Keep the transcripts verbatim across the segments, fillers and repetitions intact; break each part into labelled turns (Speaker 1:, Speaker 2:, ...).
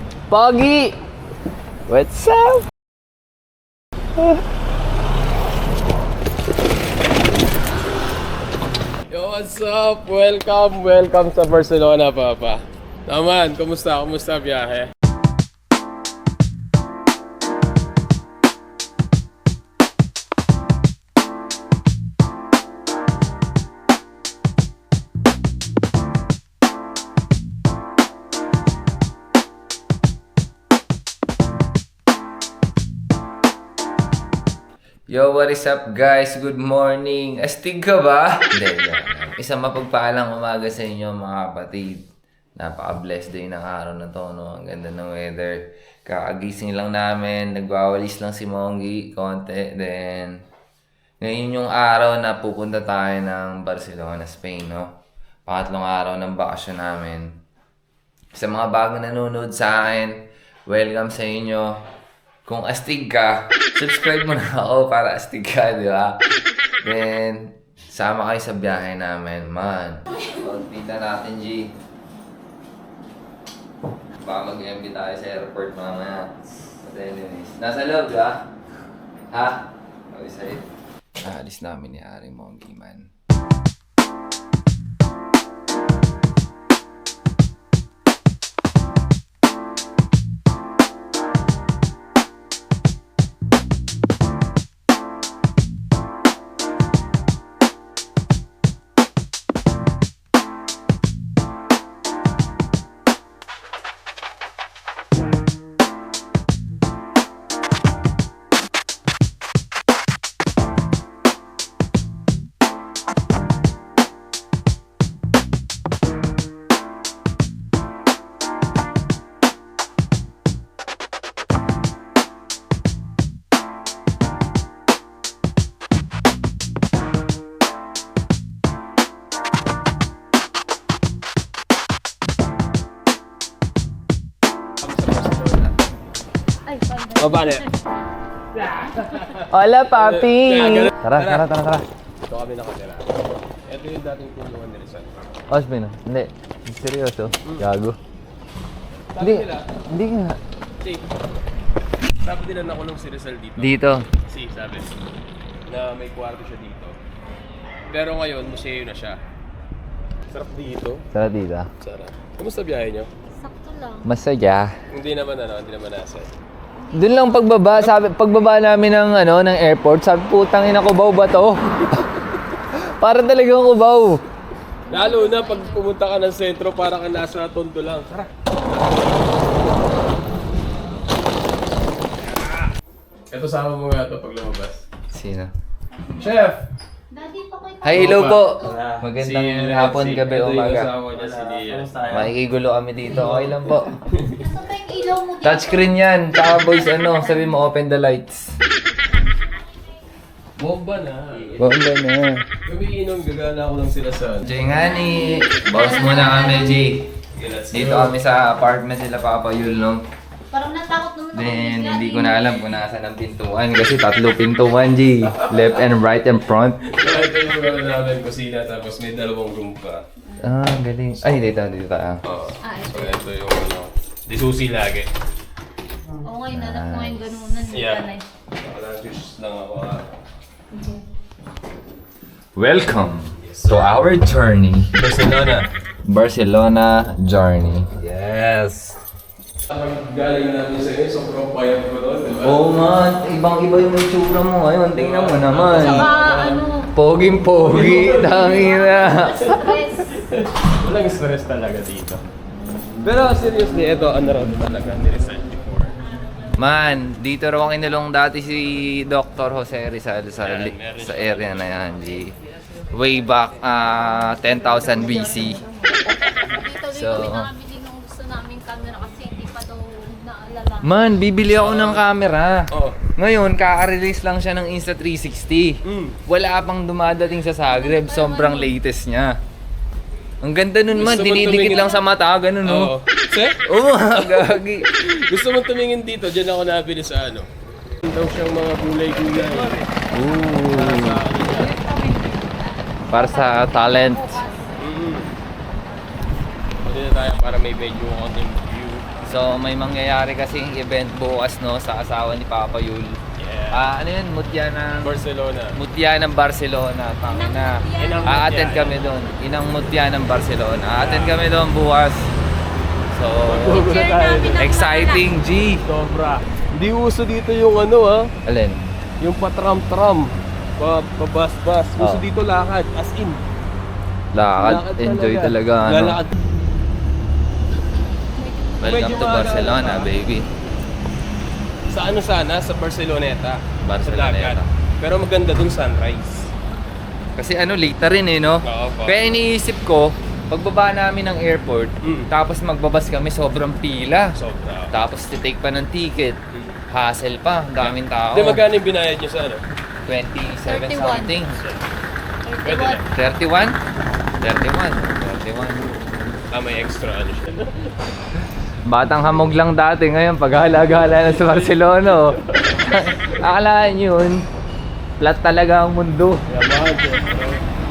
Speaker 1: Pogi! What's up?
Speaker 2: Yo, what's up? Welcome, welcome sa Barcelona, Papa. Naman, kumusta? Kumusta biyahe?
Speaker 1: Yo, what is up guys? Good morning. Astig ka ba? Hindi, hindi. Isang mapagpaalang umaga sa inyo mga kapatid. Napaka-blessed day ng araw na to, no? Ang ganda ng weather. Kakagising lang namin. Nagwawalis lang si Monggi konti. Then, ngayon yung araw na pupunta tayo ng Barcelona, Spain, no? Pangatlong araw ng bakasyon namin. Sa mga bagong nanonood sa akin, welcome sa inyo. Kung astig ka, subscribe mo na ako para astig ka, di ba? Then, sama kayo sa biyahe namin, man. Pagpita natin, G. Baka mag-M B tayo sa airport mamaya. But anyways, nasa loob, di ba? Ha? Okay, sa'yo. Aalis namin ni Ari Monggi, man.
Speaker 2: O, paano?
Speaker 1: Hola, papi! Tara, tara, tara, tara.
Speaker 2: Ito kami nakatira. Ito yung dating tulungan ni Rizal.
Speaker 1: Osmin, no? Hindi. Seryoso? Gago.
Speaker 2: Sabi
Speaker 1: Hindi,
Speaker 2: nila,
Speaker 1: hindi nga.
Speaker 2: si, sabi nila nakulong si Rizal dito.
Speaker 1: Dito.
Speaker 2: Si, sabi, na may kwarto siya dito. Pero ngayon, museo na siya. Sarap dito.
Speaker 1: Tara dito.
Speaker 2: Sarap. Kumusta biyahe nyo?
Speaker 3: Sakto lang.
Speaker 1: Masaya.
Speaker 2: Hindi naman ano, hindi naman nasa.
Speaker 1: Doon lang pagbaba, sabi, pagbaba namin ng ano, ng airport, sabi putang ina, Cubao ba to? Para talagang Cubao.
Speaker 2: Lalo na pag pumunta ka ng sentro, para ka nasa Tondo lang. Tara. Ito sama mo nga ito pag lumabas.
Speaker 1: Sino?
Speaker 2: Chef!
Speaker 3: Daddy, pa kayo.
Speaker 1: Hi, hello po.
Speaker 2: Si,
Speaker 1: Magandang
Speaker 2: uh,
Speaker 1: hapon,
Speaker 2: si-
Speaker 1: gabi,
Speaker 2: ito yung
Speaker 1: umaga.
Speaker 2: asawa niya, si Nia.
Speaker 1: Makikigulo kami dito. Okay lang po.
Speaker 3: Nasaan ba yung ilaw mo dito?
Speaker 1: Touchscreen yan. Tsaka boys, ano, sabi mo, open the lights.
Speaker 2: Bomba na.
Speaker 1: Bomba na.
Speaker 2: Umiinom, gagana ko lang sila sa...
Speaker 1: Jingani. Boss muna kami, G.
Speaker 2: Okay, let's
Speaker 1: Dito
Speaker 2: go.
Speaker 1: kami sa apartment nila Papa Yul, no?
Speaker 3: Parang natakot naman ako.
Speaker 1: Then, hindi ko na alam kung nasa ng pintuan kasi tatlo pintuan, G. Left and right and front.
Speaker 2: So, ito yung ano namin, kusina, tapos may dalawang room pa.
Speaker 1: Ah, galing. Ay, dito, dito tayo.
Speaker 2: Oo.
Speaker 3: Ah, ito.
Speaker 2: So, ito yung ano, disusi lagi.
Speaker 3: Oo nga, inanap ko nga yung ganunan.
Speaker 2: Yeah.
Speaker 3: Nanay.
Speaker 2: Naka-lunch lang ako. ah.
Speaker 1: Welcome to our journey.
Speaker 2: Barcelona.
Speaker 1: Barcelona journey.
Speaker 2: Yes. Pag galing namin sa inyo, sobrang payat ko doon, di ba?
Speaker 1: Oo man, ibang-iba yung itsura mo ngayon. Tingnan mo naman.
Speaker 3: Saka ano,
Speaker 1: Poging-pogi, tangina.
Speaker 3: stress.
Speaker 2: Walang stress talaga dito. Pero seriously, ito ano raw talaga ni Rizal before.
Speaker 1: Man, dito raw ang inulong dati si Doctor Jose Rizal sa,
Speaker 2: Yan,
Speaker 1: li-
Speaker 2: meron
Speaker 1: sa
Speaker 2: siya.
Speaker 1: area na yan, G. Way back ah, ten thousand B C.
Speaker 3: Dito dito
Speaker 1: So-
Speaker 3: kami nakabili nung gusto naming camera kasi hindi pa daw naalala.
Speaker 1: Man, bibili ako ng camera.
Speaker 2: Oh.
Speaker 1: Ngayon, kaka-release lang siya ng Insta three sixty.
Speaker 2: Mm.
Speaker 1: Wala pang dumadating sa Zagreb, sobrang latest niya. Ang ganda nun man,
Speaker 2: Gusto mo
Speaker 1: dinidikit
Speaker 2: tumingin-
Speaker 1: lang sa mata, ganun no?
Speaker 2: Oo. Sir?
Speaker 1: Oo, gagi.
Speaker 2: Gusto mo tumingin dito, dyan ako nabili sa ano. Daw siyang mga gulay-gulay.
Speaker 1: Ooh.
Speaker 2: Sa ano niya.
Speaker 1: Para sa talent.
Speaker 2: Mm. Pwede na tayo para may medyo konting view.
Speaker 1: So may mangyayari kasing event bukas no sa asawa ni Papa Yul.
Speaker 2: Yeah.
Speaker 1: Ah, ano yun? Mutya ng
Speaker 2: Barcelona.
Speaker 1: Mutya ng Barcelona. Tangin na.
Speaker 2: Inang
Speaker 1: A-attend
Speaker 2: Mutya.
Speaker 1: kami doon. Inang Mutya ng Barcelona. A-attend kami doon bukas. So,
Speaker 2: Share namin ang
Speaker 1: exciting, G.
Speaker 2: Sobra. Hindi uso dito yung ano ha,
Speaker 1: Alin?
Speaker 2: yung patram-tram, pa pabas-bas. Uso
Speaker 1: Oh.
Speaker 2: dito lakad, as in.
Speaker 1: Lakad. Enjoy talaga. Ano?
Speaker 2: Lalakad.
Speaker 1: Welcome
Speaker 2: Medyo
Speaker 1: to
Speaker 2: maaga
Speaker 1: Barcelona,
Speaker 2: lang,
Speaker 1: baby.
Speaker 2: Sa ano sana? Sa Barceloneta.
Speaker 1: Barceloneta.
Speaker 2: Sa dagat. Pero maganda dun sunrise.
Speaker 1: Kasi ano, late na rin eh, no?
Speaker 2: Oo po.
Speaker 1: Kaya iniisip ko, pagbaba namin ng airport,
Speaker 2: Mm.
Speaker 1: tapos magbabas kami, sobrang pila.
Speaker 2: Sobra.
Speaker 1: Tapos titake pa ng ticket. Hassle pa, ang daming tao.
Speaker 2: Hindi, magkano yung binayad nyo sa ano?
Speaker 1: twenty-seven
Speaker 3: thirty-one.
Speaker 1: something.
Speaker 2: Pwede na.
Speaker 1: thirty-one? thirty-one. thirty-one.
Speaker 2: Ah, may extra ano siya.
Speaker 1: Batang hamog lang dati, ngayon paghala-gala na sa Barcelona. Oh. Akalaan yun, flat talaga ang mundo.
Speaker 2: Yaman, siyempre.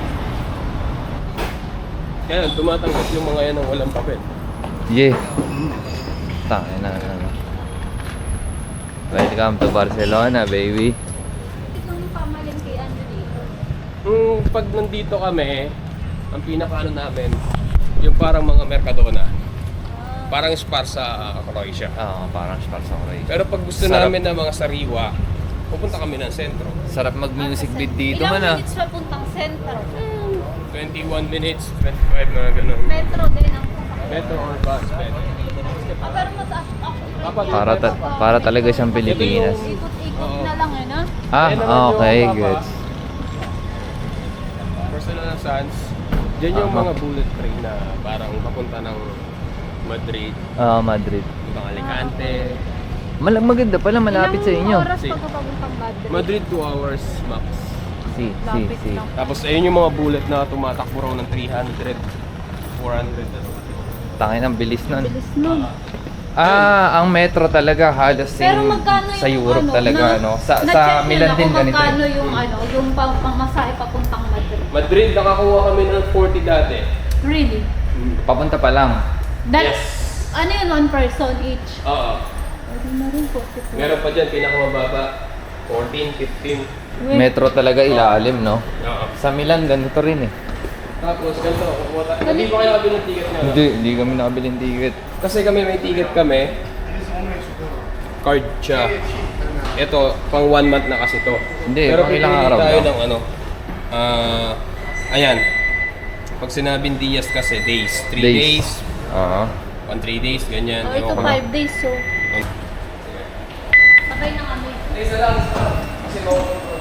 Speaker 2: Kaya tumatanggap yung mga yan ng walang papel.
Speaker 1: Yeah. Tangin na na. Welcome to Barcelona, baby.
Speaker 3: Ito yung pamalintian nyo dito.
Speaker 2: Hmm, pag nandito kami, ang pinaka ano namin, yung parang mga Mercadona. Parang spar sa Croatia.
Speaker 1: Oo, parang spar sa Croatia.
Speaker 2: Pero pag gusto
Speaker 1: Sarap.
Speaker 2: namin ng mga sariwa, pupunta kami ng sentro.
Speaker 1: Sarap mag-music beat dito
Speaker 3: Ilang
Speaker 1: man ah.
Speaker 3: minutes pa puntang sentro?
Speaker 2: twenty-one minutes, twenty-five na gano'n.
Speaker 3: Metro din ang sasakyan.
Speaker 2: Metro or bus, pwede.
Speaker 3: Ah, pero mataas ako.
Speaker 2: Dapat-
Speaker 1: Para, ta- para talaga siyang Pilipinas.
Speaker 3: Ikot-ikot
Speaker 2: Oo.
Speaker 3: na lang eh, no?
Speaker 1: Ah,
Speaker 2: Ayan naman
Speaker 1: okay,
Speaker 2: yung
Speaker 1: good.
Speaker 2: Papa. Barcelona Sands. Diyan yung
Speaker 1: Aha.
Speaker 2: mga bullet train na parang papunta ng Madrid,
Speaker 1: Ah, Madrid.
Speaker 2: ibang Alicante.
Speaker 1: Mal maganda pala, malapit sa inyo.
Speaker 3: Ilang oras
Speaker 2: Si-
Speaker 3: pa papuntang Madrid?
Speaker 2: Madrid two hours max.
Speaker 1: Si, si,
Speaker 3: Lapit
Speaker 1: si.
Speaker 3: lang.
Speaker 2: Tapos ayun yung mga bullet na tumatakbo raw ng three hundred, four hundred.
Speaker 1: Tangin ang bilis nun.
Speaker 3: Bilis nun.
Speaker 1: Ah, ang metro talaga halos
Speaker 3: Pero
Speaker 1: same
Speaker 3: magkano yung
Speaker 1: sa Europe
Speaker 3: ano,
Speaker 1: talaga,
Speaker 3: na-
Speaker 1: no? Sa
Speaker 3: na-check
Speaker 1: sa
Speaker 3: nyo
Speaker 1: Milan
Speaker 3: na
Speaker 1: din
Speaker 3: kung
Speaker 1: ganito.
Speaker 3: magkano
Speaker 1: eh.
Speaker 3: yung ano, yung pang pamasahe papuntang Madrid?
Speaker 2: Madrid, nakakuha kami ng forty dati.
Speaker 3: Really?
Speaker 1: Papunta pa lang.
Speaker 3: That,
Speaker 2: Yes.
Speaker 3: Ano yun, one person each?
Speaker 2: Oo.
Speaker 3: Pwede na rin, forty-four.
Speaker 2: Meron pa dyan, pinakamababa, fourteen, fifteen.
Speaker 3: Wait.
Speaker 1: Metro talaga ilalim, no?
Speaker 2: Oo.
Speaker 1: Sa Milan ganito rin eh.
Speaker 2: Tapos, ganito, kukuha tayo. Hindi pa kayo nakabili ng ticket nga.
Speaker 1: Hindi, hindi kami nakabili ng ticket.
Speaker 2: Kasi kami may ticket kami. Card siya. Ito, pang one month na kasi to.
Speaker 1: Hindi,
Speaker 2: Pero
Speaker 1: pang ilang
Speaker 2: pipili
Speaker 1: araw
Speaker 2: tayo
Speaker 1: lang.
Speaker 2: ng ano. Ah, ayan. Pag sinabing Diaz kasi, days. Three days.
Speaker 1: Days. Oo.
Speaker 2: One, three days, ganyan.
Speaker 3: Oh, ito
Speaker 2: Ewan ko.
Speaker 3: five days, so sabay na kami.
Speaker 2: Isa lang. Kasi mo.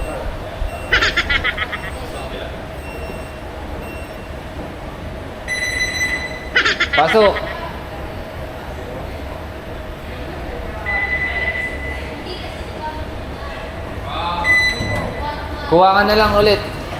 Speaker 1: Pasok! Kuha ka na lang ulit.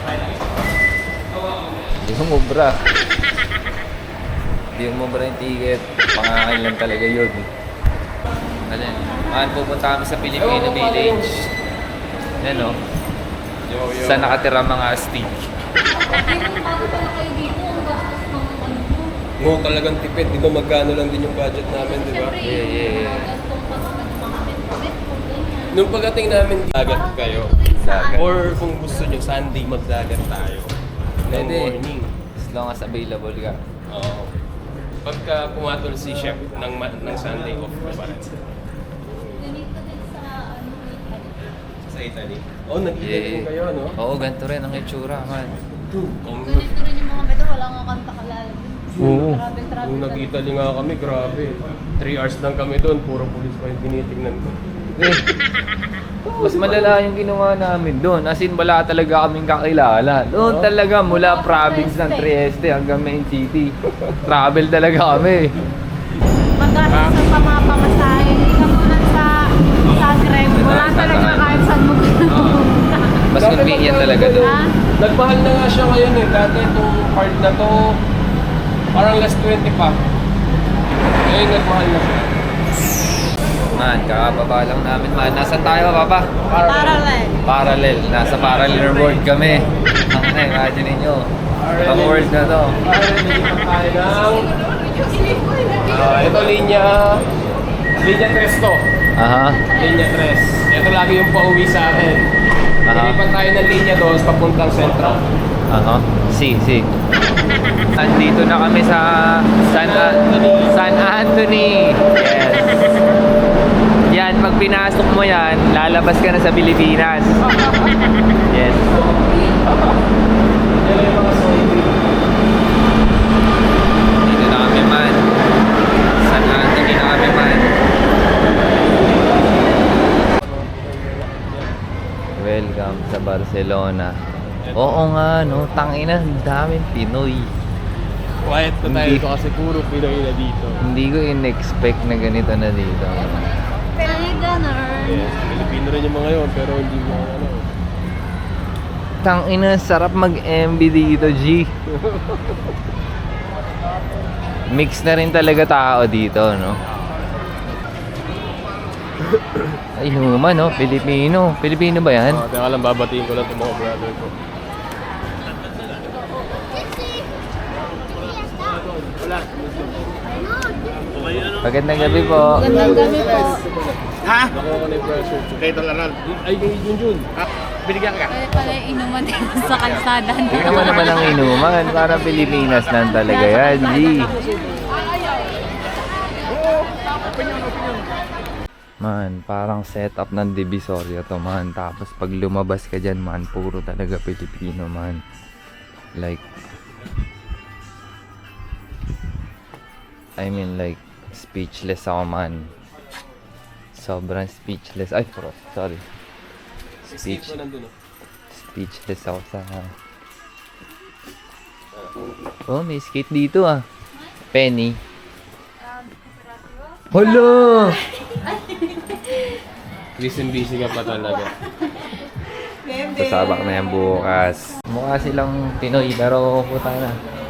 Speaker 1: Hindi mo mubra. Hindi mo mubra yung ticket. Pangangain lang talaga yun. Alin? Ah, pupunta kami sa Filipino Village. Yan o.
Speaker 2: Yo, yo.
Speaker 1: Sa nakatira mga astig.
Speaker 3: Hindi bago pala kayo dito, ang gastos ng ano mo.
Speaker 2: Oo, talagang tipid. Di ba magkano lang din yung budget namin, di ba?
Speaker 3: Siyempre,
Speaker 1: Yeah, yeah, yeah.
Speaker 3: mga gastong pa mga mga metro-metro, ganyan.
Speaker 2: Nung pagdating namin, dagat kayo.
Speaker 1: Dagat.
Speaker 2: Or kung gusto nyo, Sunday magdagat tayo. Ng
Speaker 1: Pwede.
Speaker 2: morning.
Speaker 1: As long as available ka.
Speaker 2: Oo. Pagka pumatol si chef ng, ma- ng Sunday off na pa rin.
Speaker 3: Ganito din sa ano, Italy.
Speaker 2: Sa Italy. Oh, nag-Italy
Speaker 1: Yeah.
Speaker 2: kayo, no?
Speaker 1: Oo, ganito rin ang itsura, man.
Speaker 2: Kung,
Speaker 3: Ganito rin yung mga metro, wala nga kanta kalala.
Speaker 2: Oo.
Speaker 3: Grabe, grabe.
Speaker 2: Nung nag-Italy nga kami, grabe. Three hours lang kami doon, puro pulis pa yung tinitingnan ko.
Speaker 1: Eh, mas malala yung ginawa namin doon. As in, wala talaga kaming kakilala. Doon talaga, mula province ng Trieste hanggang main city. Travel talaga kami.
Speaker 3: Magkano sa pamapamasahe, ikaw muna sa Zagreb, wala talaga kahit saan mo pumunta.
Speaker 1: Mas convenient talaga doon.
Speaker 3: Ha?
Speaker 2: Nagmahal na nga siya ngayon eh. Dati itong card na to, parang last twenty pa. Ngayon nagmahal na siya.
Speaker 1: Man, kakababa lang namin, man. Nasaan tayo, Papa?
Speaker 3: Parallel.
Speaker 1: Parallel. Nasa parallel world kami. Ang na, imagine ninyo. Ang world na to.
Speaker 2: Parang nilipat tayo ng Ah, ito linya, linya tres to.
Speaker 1: Aha.
Speaker 2: Linya tres. Ito lagi yung pauwi sa akin.
Speaker 1: Aha.
Speaker 2: Ilipat tayo ng linya doon papuntang sentro.
Speaker 1: Aha. Si, si. Andito na kami sa San,
Speaker 2: Anthony.
Speaker 1: San Anthony. Yes. Yan, pag pinasok mo yan, lalabas ka na sa Pilipinas. Yes.
Speaker 2: Yan yung mga soybean.
Speaker 1: Dito na kami man. San Anthony na kami man. Welcome sa Barcelona. Oo nga, no? Tangina, ang daming Pinoy.
Speaker 2: Quiet na tayo
Speaker 1: Hindi.
Speaker 2: dito kasi puro Pinoy na dito.
Speaker 1: Hindi ko in-expect na ganito na dito.
Speaker 3: Ay, ganun.
Speaker 2: Yes, Pilipino rin yung mga yun, pero hindi mo ano.
Speaker 1: Tangina, sarap mag-M B dito, G. Mix na rin talaga tao dito, no? Ay, luma, no? Pilipino. Pilipino ba yan?
Speaker 2: Oh, teka lang, babatiin ko lang itong mga brother ko.
Speaker 1: Magandang gabi po.
Speaker 3: Gandang gabi po.
Speaker 2: Nakuha ko na yung pressure. Kay Talaran. Ay, kay Junjun. Binigyan ka.
Speaker 3: Kaya pala inuman din sa kalsada.
Speaker 1: Tingnan mo naman ang inuman. Parang Pilipinas lang talaga yan, G. Man, parang setup ng Divisoria to, man. Tapos pag lumabas ka dyan, man, puro talaga Pilipino, man. Like, I mean, like, speechless ako, man. Sobrang speechless. Ay, bro, sorry. Speech,
Speaker 2: Ko nandun, oh.
Speaker 1: speechless ako sa... Oh, may skate dito, ah. Penny. Hala!
Speaker 2: Busy busy ka pa talaga.
Speaker 1: Sasabak na yan bukas. Mukha silang Pinoy pero puta na.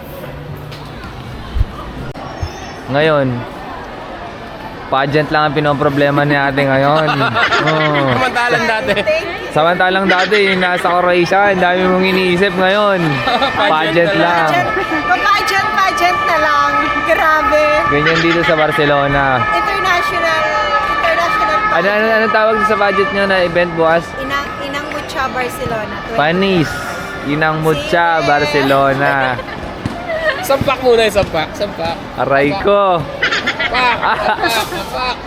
Speaker 1: Ngayon, pageant lang ang pinoproblema ni ate ngayon. Oh.
Speaker 2: Samantalang dati.
Speaker 1: Samantalang dati, nasa Croatia, ang dami mong iniisip ngayon. Pageant lang.
Speaker 4: Pageant, pageant na lang. Grabe.
Speaker 1: Ganyan dito sa Barcelona.
Speaker 4: International, international
Speaker 1: Ano,
Speaker 4: pageant.
Speaker 1: ano, ano tawag sa budget nyo na event bukas?
Speaker 4: Inang, Inang Mucha, Barcelona.
Speaker 1: Panis. Inang Mucha, Barcelona.
Speaker 2: Sampak muna yung sampak. Sampak.
Speaker 1: Aray ko.
Speaker 2: Pak! Pak! Pak!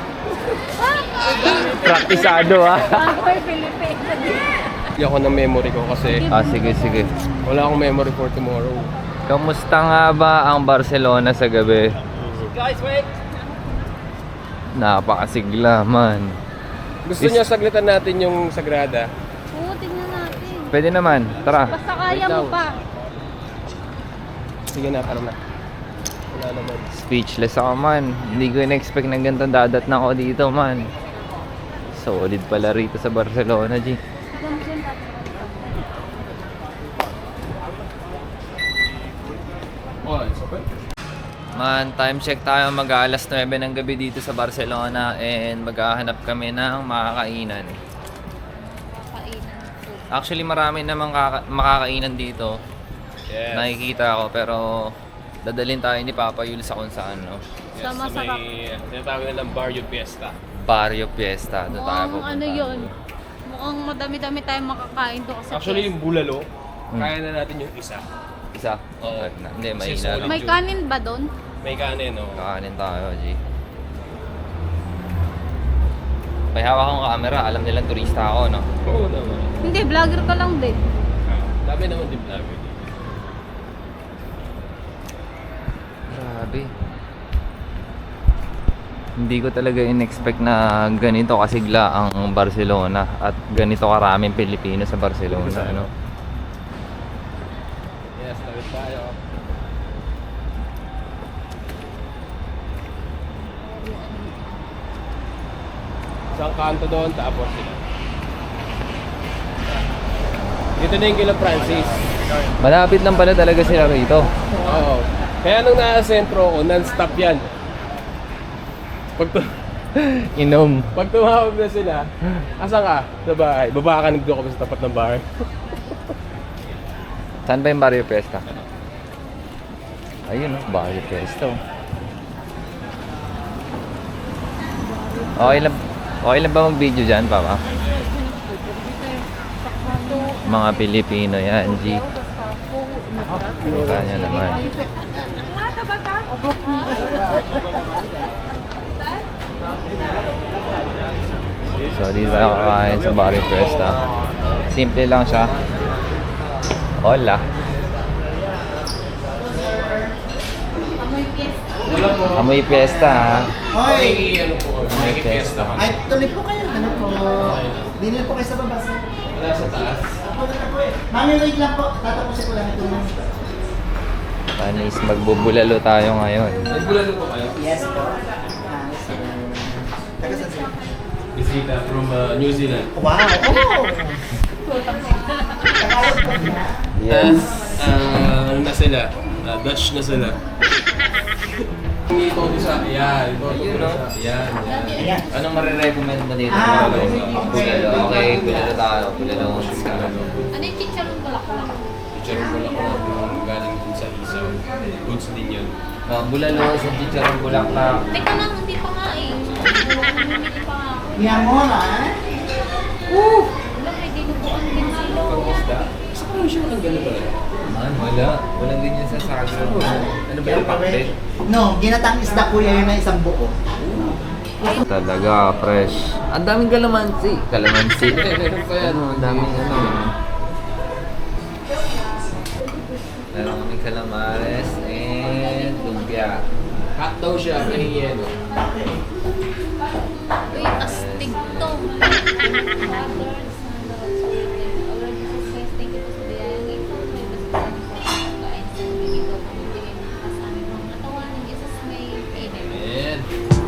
Speaker 1: Praktisado ah.
Speaker 3: Ako'y Pilipino.
Speaker 2: Hindi ako ng memory ko kasi
Speaker 1: Ah, sige, sige.
Speaker 2: wala akong memory for tomorrow.
Speaker 1: Kamusta nga ba ang Barcelona sa gabi?
Speaker 2: Guys, wait!
Speaker 1: Napakasigla, man.
Speaker 2: Gusto
Speaker 1: Is-
Speaker 2: niyo saglitan natin yung Sagrada?
Speaker 3: Oo, tingnan natin.
Speaker 1: Pwede naman, tara.
Speaker 3: Basta kaya mo
Speaker 2: Wait
Speaker 3: pa.
Speaker 2: Sige na, parang na. Wala naman.
Speaker 1: Speechless ako, man. Hindi ko in-expect na ganito dadat na ako dito, man. Solid pala rito sa Barcelona, G.
Speaker 2: Oh, it's okay.
Speaker 1: Man, time check tayo, mag-aalas nuwebe ng gabi dito sa Barcelona and maghahanap kami ng makakainan.
Speaker 3: Kainan.
Speaker 1: Actually, marami namang kaka- makakainan dito.
Speaker 2: Yes.
Speaker 1: Nakikita ko, pero dadalhin tayo ni Papa Yul sa kung saan, no?
Speaker 2: Yes,
Speaker 3: Sa masarap.
Speaker 2: may tinatawag na ng Barrio Fiesta.
Speaker 1: Barrio Fiesta, doon tayo
Speaker 3: Mukhang
Speaker 1: pupunta.
Speaker 3: ano yun. Mukhang madami-dami tayong makakain doon kasi
Speaker 2: Actually, yung bulalo,
Speaker 1: Hmm.
Speaker 2: kaya na natin yung isa.
Speaker 1: Isa?
Speaker 2: Oo.
Speaker 1: At na- Hindi, may
Speaker 2: Kasi
Speaker 1: ina
Speaker 2: solid.
Speaker 1: lang.
Speaker 3: may kanin ba doon?
Speaker 2: May kanin, no?
Speaker 1: Kakanin tayo, G. May hawak akong camera, alam nilang turista ako, no?
Speaker 2: Oo naman.
Speaker 3: Hindi, vlogger ka lang din.
Speaker 2: Dami naman din vlogger dito.
Speaker 1: Grabe. Hindi ko talaga in-expect na ganito kasigla ang Barcelona at ganito karaming Pilipino sa Barcelona, ano?
Speaker 2: Yes, tawid tayo. Isang kanto doon, tapos sila. Dito na yung kila Francis.
Speaker 1: Malapit lang pala talaga sila rito.
Speaker 2: Oo. Kaya nung nasa sentro ko, non-stop yan. Pag, tu-
Speaker 1: Inom.
Speaker 2: pag tumawag na sila, asan ka? Sa bahay. Baba ka, nagdo kami sa tapat ng bahay.
Speaker 1: Saan ba yung Barrio Fiesta? Ayun, no? Barrio Fiesta. Oh. Okay lang, okay lang ba mag-video dyan, Papa? Mga Pilipino yan, G. Kanya naman. So, dito tayo kakain sa Barrio Fiesta. Simple lang siya. Hola. Amoy fiesta, ha?
Speaker 2: Ay, ano po, may fiesta kami.
Speaker 5: Ay, tuloy po kayo. Ano po? Dinil po kayo sa baba. sir.
Speaker 2: Wala sa taas.
Speaker 5: Ako na po eh. Mami, wait lang po. Tatapusin ko lang ito.
Speaker 1: Panis, magbubulalo tayo ngayon.
Speaker 2: Nagbulalo po kayo?
Speaker 5: Yes po. Ah, so, taga saan sir?
Speaker 2: Bisita from uh, New Zealand.
Speaker 5: Wow! Oh!
Speaker 1: Yes.
Speaker 2: Ah, ano na sila? Ah, Dutch na sila. Ito sa, yan. Ito,
Speaker 1: Ayun,
Speaker 2: ito
Speaker 1: no?
Speaker 2: sa, yan, yan.
Speaker 5: Ayan.
Speaker 1: Anong marirecommend mo dito?
Speaker 5: Ah,
Speaker 1: Bulalo. Okay, bulalo tayo. Bulalo.
Speaker 3: Ano yung chicharong bulaklak?
Speaker 2: Teacher ko lang ako galing dun sa isaw. Goods din yun.
Speaker 1: Uh, bulalo, sa chicharong bulaklak.
Speaker 3: Teka lang, hindi pa nga eh. Bumili pa nga ako.
Speaker 5: Yan mo na.
Speaker 3: Wala, may dinubuan din sila.
Speaker 2: Sa kanya siya ang gano'n ba?
Speaker 1: Man, wala. Walang ganyan sa Sagro. Ano ba yung pakte?
Speaker 5: No, ginatang isda kuya yun na isang buo.
Speaker 1: Talaga, fresh. Ang daming kalamansi. Kalamansi.
Speaker 2: Meron pa yan.
Speaker 1: Ano, ang daming ano. Meron kaming calamares and lumpia.
Speaker 2: Hot daw siya, may yelo.
Speaker 3: Uy, astig to. Thank you po sa biyayang ito. May basta kain sa ito. Pumibigay ng mga sa aming mga katawan. Ng isas may pinit.
Speaker 2: Ayan.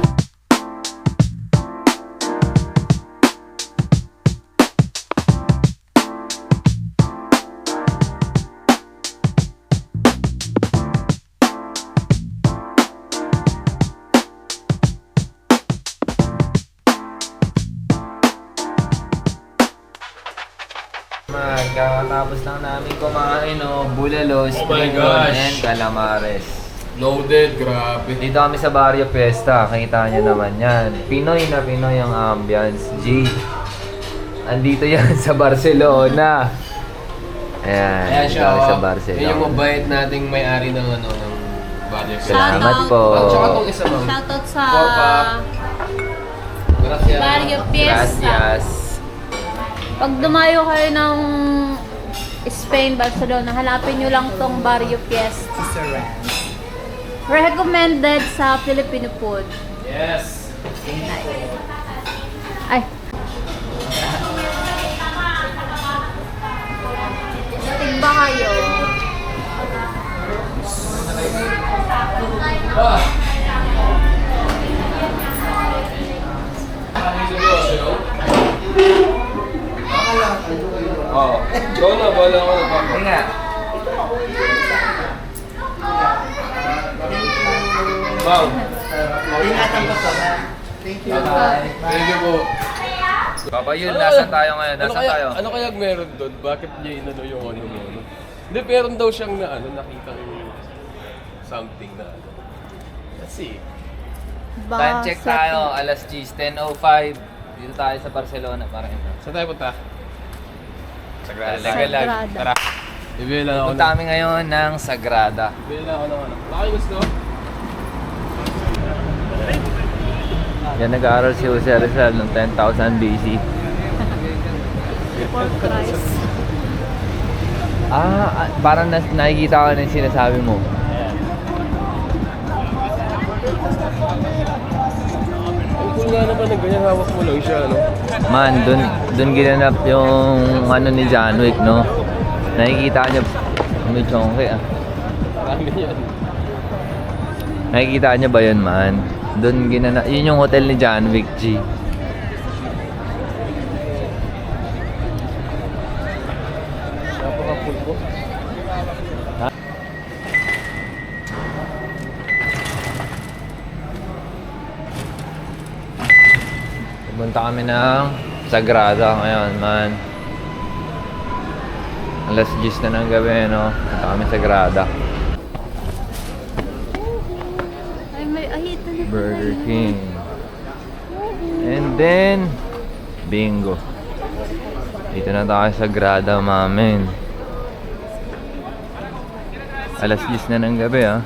Speaker 1: Magkakatapos lang namin kumain, no? Bulalo,
Speaker 2: Oh my
Speaker 1: spring roll,
Speaker 2: gosh.
Speaker 1: and calamares.
Speaker 2: Loaded, grabe.
Speaker 1: Dito kami sa Barrio Fiesta, kita nyo naman yan. Pinoy na Pinoy ang ambience, G. Andito yan sa Barcelona. Ayan,
Speaker 2: Ayan
Speaker 1: dito
Speaker 2: siya,
Speaker 1: kami sa
Speaker 2: oh.
Speaker 1: Barcelona.
Speaker 2: Yan yung mabait nating may-ari ng ano, ng Barrio Fiesta.
Speaker 1: Salamat po.
Speaker 2: At saka itong isa, ma'am.
Speaker 3: Shoutout sa
Speaker 2: Porpa. Gracias.
Speaker 3: Barrio Fiesta.
Speaker 1: Gracias.
Speaker 3: Pag dumayo kayo ng Spain, Barcelona, hanapin nyo lang tong Barrio Fiesta.
Speaker 5: Sister Ran.
Speaker 3: Recommended sa Filipino food.
Speaker 2: Yes.
Speaker 3: Ay. Tigba kayo.
Speaker 2: Ah! Seryoso? Oo. Ikaw na, bala ko na.
Speaker 1: Ayun nga.
Speaker 2: Ma'am.
Speaker 5: Ingatan ko to ha. Thank you.
Speaker 1: Bye-bye.
Speaker 2: Thank you po.
Speaker 1: Papa, yun, nasan tayo ngayon?
Speaker 2: Ano
Speaker 1: Nasan
Speaker 2: kaya,
Speaker 1: tayo?
Speaker 2: ano kaya meron doon? Bakit niya inano yung ano mo? Ano? Hindi, meron daw siyang na ano, nakita something na ano. Let's see.
Speaker 1: Time check tayo, alas ten oh five. Dito tayo sa Barcelona para ito.
Speaker 2: Saan tayo punta? Sagrada.
Speaker 1: Legal
Speaker 3: Sagrada.
Speaker 2: Tara. Bibili lang ako
Speaker 1: Punta
Speaker 2: ng...
Speaker 1: kami ngayon ng Sagrada.
Speaker 2: Bibili lang ako ng ano. Baka yung gusto?
Speaker 1: Yan, nag-aaral si Jose Rizal noong ten thousand B C.
Speaker 3: Pork rice.
Speaker 1: Ah, ah, parang nas nakikita ko na yung sinasabi mo.
Speaker 2: Ang cool nga naman ng ganyan, hawak mo lang siya, ano?
Speaker 1: Man, dun, dun ginanap yung ano ni John Wick, no? Nakikita niya, may chongke ah.
Speaker 2: Marami yan.
Speaker 1: Nakikita niya ba yun, man? Dun ginanap, yun yung hotel ni John Wick, G.
Speaker 2: Napaka-cool po.
Speaker 1: Pumunta kami ng Sagrada ngayon, man. Alas ten na ng gabi, no? Punta kami sa Sagrada.
Speaker 3: Ay, may ahita na.
Speaker 1: Burger King. then, bingo. Dito na tayo sa grada, mamin. Alas diyes na ng gabi, ah.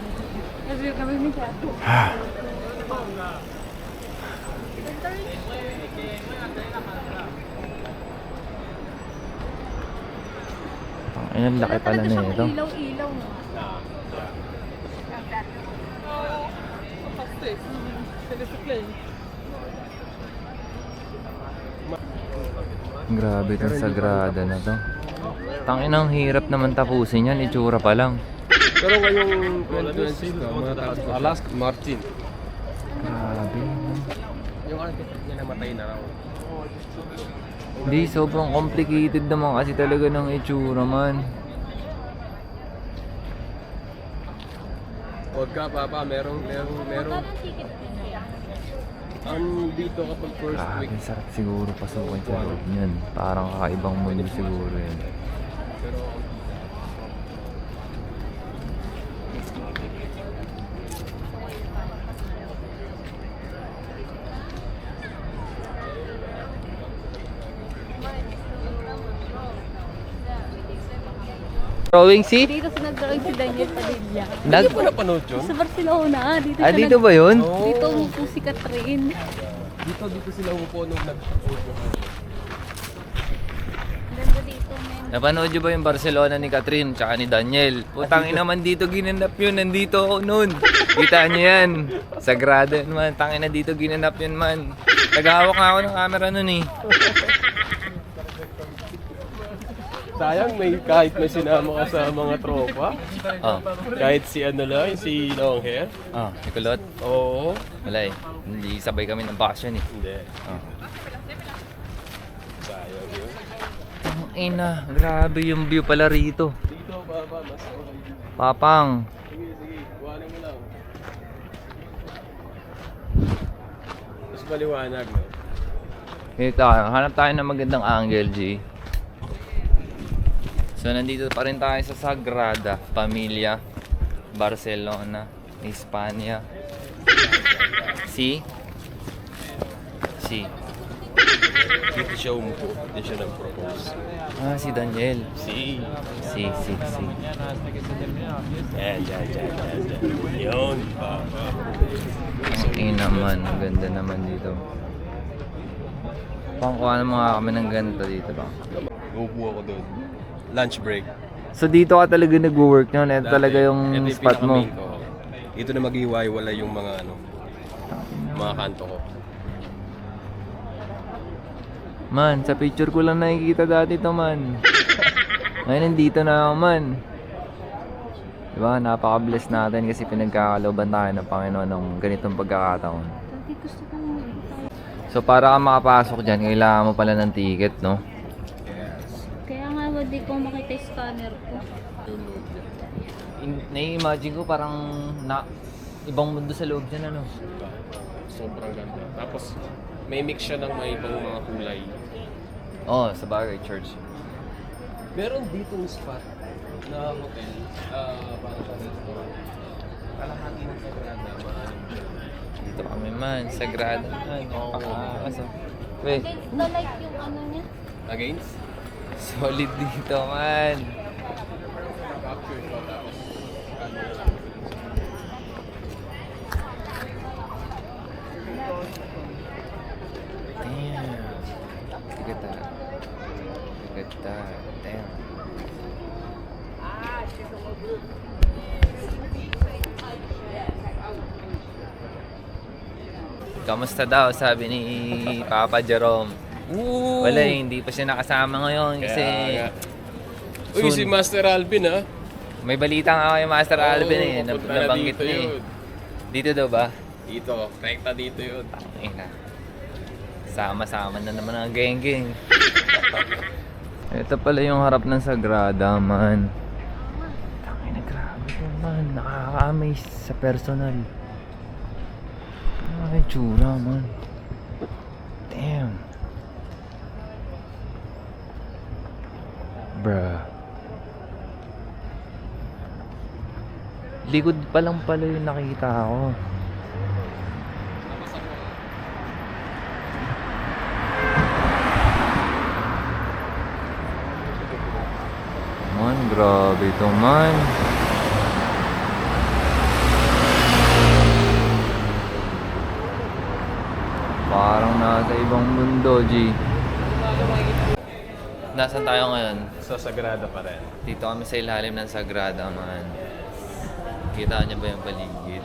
Speaker 1: Ay, ang laki pala na ito.
Speaker 3: Ilaw-ilaw no.
Speaker 1: Grabe itong sagrada na to. Tanginang hirap naman tapusin yan, itsura pa lang.
Speaker 2: Pero ngayong twenty twenty-six, mga tao, Alaska Martin.
Speaker 1: Grabe.
Speaker 2: Yung architect niya namatay na raw.
Speaker 1: Hindi, sobrang complicated naman kasi talaga ng itsura man.
Speaker 2: Huwag ka, Papa. Merong, merong, merong. Ang dito kapag first
Speaker 1: Grabe,
Speaker 2: week.
Speaker 1: sarap siguro pasukin sa loob niyan. Parang kakaibang mundo siguro yan.
Speaker 2: Pero
Speaker 1: Drawing si?
Speaker 3: Dito sa nag-drawing si Daniel Padilla.
Speaker 1: Nag...
Speaker 2: hindi ko napanood yun.
Speaker 3: Sa Barcelona, dito
Speaker 1: Ah,
Speaker 3: siya
Speaker 1: dito
Speaker 3: nag-
Speaker 1: ba yun?
Speaker 2: Oo.
Speaker 3: Dito umupo si Catherine.
Speaker 2: Dito, dito sila umupo nung nag-audio.
Speaker 3: Ganda dito, men.
Speaker 1: Napanood nyo ba yung Barcelona ni Catherine tsaka ni Daniel? Putang ina man dito ginanap yun, nandito ako noon. Kita nyo yan. Sagrado yun man, tangin na dito ginanap yun man. Naghahawak nga ako ng camera nun eh.
Speaker 2: Sayang, may, kahit may sinama ka sa mga tropa.
Speaker 1: Oh,
Speaker 2: Kahit si ano lang, si long hair.
Speaker 1: oh, Nicolot.
Speaker 2: Oo.
Speaker 1: Wala eh. Hindi sabay kami ng bakasyon eh.
Speaker 2: Hindi.
Speaker 1: Oh.
Speaker 2: Sayang yun.
Speaker 1: Ang ina, grabe yung view pala rito.
Speaker 2: Dito, Papa, mas okay.
Speaker 1: Papang.
Speaker 2: Sige, sige. Kuhanin mo lang. Mas maliwanag, no?
Speaker 1: Ito, hanap tayo ng magandang angle, G. So, nandito pa rin tayo sa Sagrada Familia, Barcelona, Hispania. Si? Si.
Speaker 2: Dito siya umupo. Dito siya nag-propose.
Speaker 1: Ah, si Daniel.
Speaker 2: Si.
Speaker 1: Si, si, si.
Speaker 2: Yan, yan, yan, yan, yan. Yun, Papa.
Speaker 1: Ang ina naman, ang ganda naman dito. Pangkuha na mga kami ng ganito dito ba?
Speaker 2: Umupo ako doon. Lunch break.
Speaker 1: So dito ka talaga nag-work nyo? Ito
Speaker 2: Dati,
Speaker 1: talaga yung
Speaker 2: ito
Speaker 1: spot mo?
Speaker 2: pinaka-main ko. Dito na mag-iwaiwala yung mga ano, mga kanto ko.
Speaker 1: Man, sa picture ko lang nakikita dati to man. Ngayon nandito na ako man. Diba? Napaka-bless natin kasi pinagkakalooban tayo ng Panginoon ng ganitong pagkakataon.
Speaker 3: Dati gusto kong tayo.
Speaker 1: So para ka makapasok dyan, kailangan mo pala ng ticket, no?
Speaker 3: Kaya nga, hindi ko makita yung scanner ko.
Speaker 2: Download niya.
Speaker 1: In- nai-imagine ko parang na ibang mundo sa loob dyan, ano?
Speaker 2: Diba? Sobrang ganda. Tapos, may mix siya ng may ibang mga kulay.
Speaker 1: Oh, sa bagay, church.
Speaker 2: Meron ditong spot na hotel, ah, para sa restaurant. Kalahati ng Sagrada, maalim siya.
Speaker 1: Dito kami man, sagrada man. Napakakas, oh. Wait,
Speaker 3: Against the light yung ano niya.
Speaker 2: Against?
Speaker 1: solid dito man.
Speaker 2: Capture ko, tapos ano
Speaker 1: Damn. Look at that. Look at that. Damn. Kamusta daw, sabi ni Papa Jerome.
Speaker 2: Ooh!
Speaker 1: Wala eh, hindi pa siya nakasama ngayon kasi
Speaker 2: Kaya nga. Uy,
Speaker 1: soon.
Speaker 2: si Master Alvin ah.
Speaker 1: May balita nga kay Master Alvin eh,
Speaker 2: Oo,
Speaker 1: nab-
Speaker 2: papunta na
Speaker 1: nabanggit
Speaker 2: dito
Speaker 1: niya eh.
Speaker 2: yun.
Speaker 1: Dito daw ba?
Speaker 2: Dito, rekta dito yun.
Speaker 1: Ina. Sama-sama na naman ang geng-geng. Ito pala yung harap ng Sagrada, man. Tangina, grabe to, man. Nakaka-amaze sa personal. Ano yung tsura, man? Damn. Bruh. Likod pa lang pala yung nakita ko. Grabe ito man. Parang nasa ibang mundo, G. Nasaan tayo ngayon?
Speaker 2: Sa Sagrada pa rin.
Speaker 1: Dito kami sa ilalim ng Sagrada, man. Kita niyo ba yung paligid?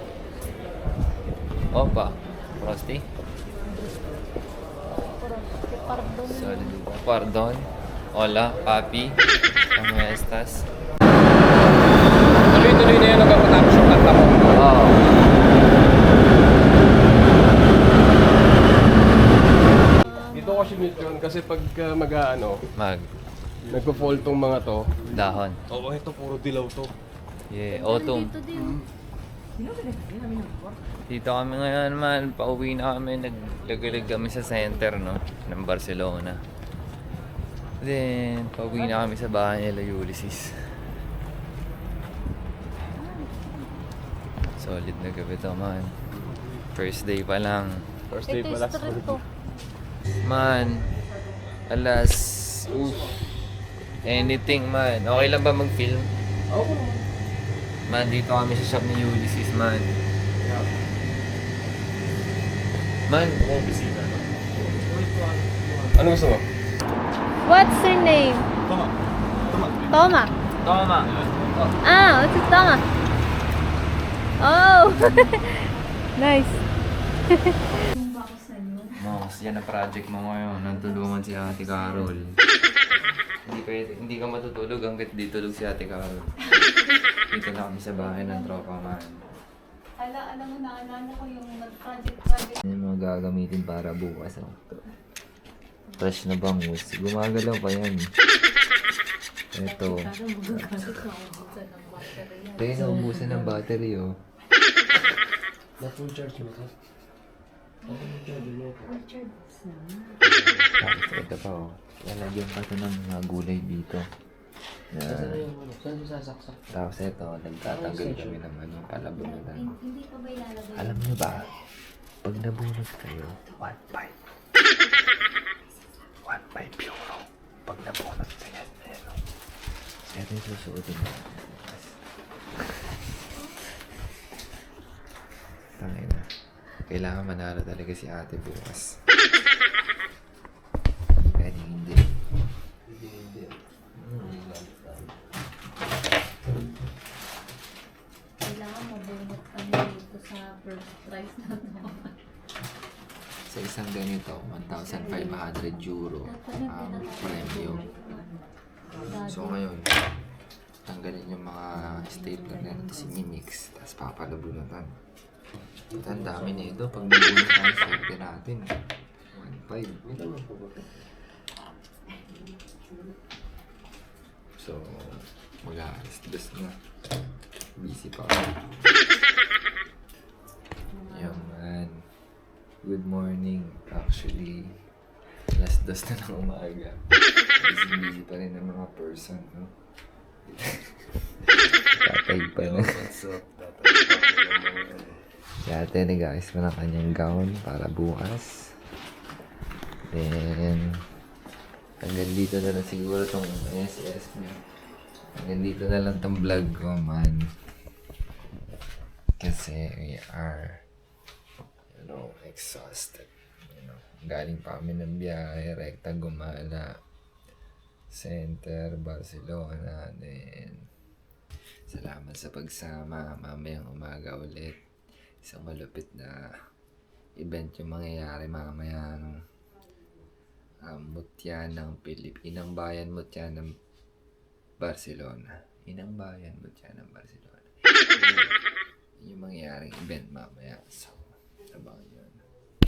Speaker 1: Opa, Frosty?
Speaker 3: Pardon.
Speaker 1: Sorry, pardon. Hola, papi. ¿Cómo estás?
Speaker 2: Tuloy-tuloy na yan hanggang matapos yung kanta mo.
Speaker 1: Oo.
Speaker 2: Dito ko sinute yun kasi pag uh, mag-ano,
Speaker 1: Mag.
Speaker 2: nagpo-fall tong mga to.
Speaker 1: Dahon.
Speaker 2: Oo, ito puro dilaw to.
Speaker 1: Yeah, autumn.
Speaker 3: Dito din.
Speaker 1: Dito kami ngayon, man. Pauwi na kami. Naglagalag kami sa center, no? Ng Barcelona. Then, pauwi na kami sa bahay nila Ulysses. Solid na gabi to, man. First day pa lang.
Speaker 2: First day
Speaker 3: Ito
Speaker 2: pala.
Speaker 3: yung street to.
Speaker 1: Man, alas... Oof. Anything, man. Okay lang ba mag-film?
Speaker 2: Oo.
Speaker 1: Man, dito kami sa shop ni Ulysses, man. Man,
Speaker 2: Oo, bisita. Ano gusto mo?
Speaker 3: What's your name?
Speaker 2: Tama. Tama.
Speaker 3: Toma.
Speaker 1: Toma.
Speaker 3: Ah, what's it, Toma? Oh! Nice.
Speaker 1: Mos, yan ang project mo ngayon. Nantulungan si Ate Carol. hindi, pwede, hindi ka matutulog hanggat di tulog si Ate Carol. Dito na kami sa bahay ng tropa, man.
Speaker 3: Ala, alam mo, naalala ko yung nag-project-project.
Speaker 1: Yan yung mga gagamitin para bukas. Oh. Fresh na bangus. Gumagalaw pa yan. Ito. Tayo na ubusan ng battery, oh.
Speaker 2: Na-full charge mo to?
Speaker 1: Tapos ito pa, oh. Lalagyan pa ito ng mga gulay dito. Yan.
Speaker 5: Saan yung sasaksak?
Speaker 1: Tapos ito, nagtatanggal kami ng ano, palabunutan.
Speaker 3: Hindi pa ba ilalagay?
Speaker 1: Alam niyo ba, pag nabunot kayo, one five. one five euro. Pag nabunot sa yan, ano. Ito yung susuotin mo. Tangin na. Kailangan manalo talaga si ate bukas. Hindi pwede hindi.
Speaker 3: Kailangan mabunot kami dito sa first prize na to.
Speaker 1: Sa isang ganito, one thousand five hundred euro ang premyo. So ngayon, tanggalin yung mga stapler na ito si Minix, tapos papalabunutan. Ito ang dami nito, pag nabunot tayo, swerte natin. one five. So, mag-aalas dos na. Busy pa ako. Yan man. Good morning. Actually, alas dos na ng umaga. Busy busy pa rin ng mga person, no? Tatay pa na.
Speaker 2: What's up? Tatay pa naman.
Speaker 1: Si ate nag-ayos pa ng kanyang gown para bukas. Then, hanggang dito na lang siguro tong S S niya. Hanggang dito na lang tong vlog ko, man. Kasi we are, you know, exhausted. You know, galing pa kami ng biyahe, rekta gumala. Center, Barcelona. Then, salamat sa pagsama. Mamayang umaga ulit. Isang malupit na event yung mangyayari mamaya. No? Um, mutya ng Pilipinang bayan, mutya ng Barcelona. Inang bayan, mutya ng Barcelona. Yun yung mangyayaring event mamaya. So, abangan nyo.